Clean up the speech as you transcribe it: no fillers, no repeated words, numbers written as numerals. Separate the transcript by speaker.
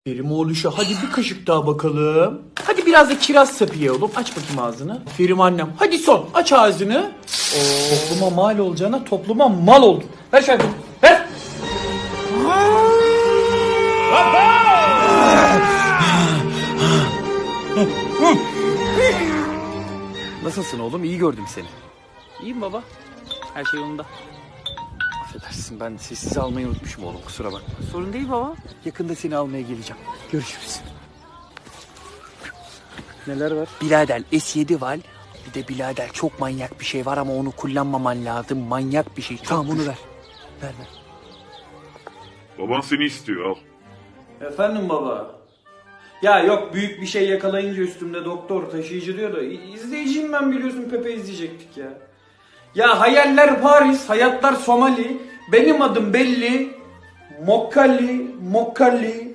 Speaker 1: Ferim oğluşa hadi bir kaşık daha bakalım. Hadi biraz da kiraz sapı ye oğlum. Aç bakayım ağzını. Ferim annem. Hadi son. Aç ağzını. Topluma mal olacağına topluma mal oldun. Ver şöyle. Ver.
Speaker 2: Nasılsın oğlum? İyi gördüm seni.
Speaker 3: İyiyim baba. Her şey yolunda.
Speaker 2: Affedersin, ben sessiz almayı unutmuşum oğlum, kusura bakma.
Speaker 3: Sorun değil baba.
Speaker 2: Yakında seni almaya geleceğim. Görüşürüz.
Speaker 3: Neler var?
Speaker 2: Birader S7 var. Bir de birader çok manyak bir şey var ama onu kullanmaman lazım. Manyak bir şey. Tamam, onu ver. Ver.
Speaker 4: Baban seni istiyor, al.
Speaker 1: Efendim baba. Ya yok, büyük bir şey yakalayınca üstümde doktor taşıyıcı diyor da izleyiciyim ben, biliyorsun, Pepe izleyecektik ya. Ya hayaller Paris, hayatlar Somali, benim adım belli. Mokkali,